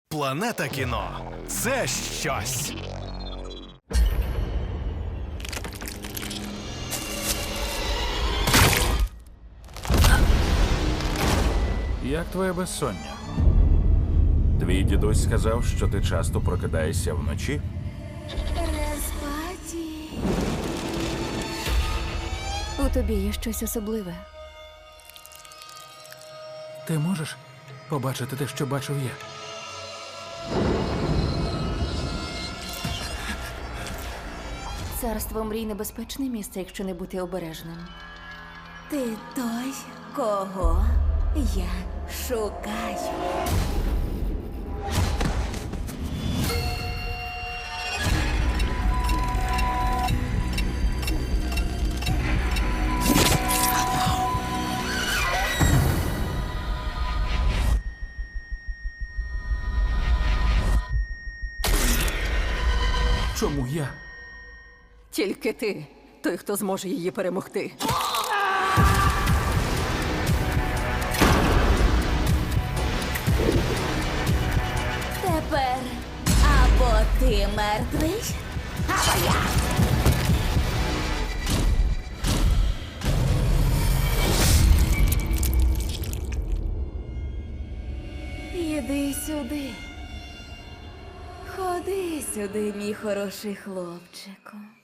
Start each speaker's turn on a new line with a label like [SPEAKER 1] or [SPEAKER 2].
[SPEAKER 1] Планета кіно – це щось.
[SPEAKER 2] Як твоє безсоння? Твій дідусь сказав, що ти часто прокидаєшся вночі?
[SPEAKER 3] Респаті. У тобі є щось особливе.
[SPEAKER 2] Ти можеш побачити те, що бачив я?
[SPEAKER 3] Царство мрій – небезпечне місце, якщо не бути обережним.
[SPEAKER 4] Ти той, кого я шукаю.
[SPEAKER 2] Чому я?
[SPEAKER 5] Тільки ти, той, хто зможе її перемогти.
[SPEAKER 4] Тепер або ти мертвий, або я. Іди сюди. Ходи сюди, мій хороший хлопчику.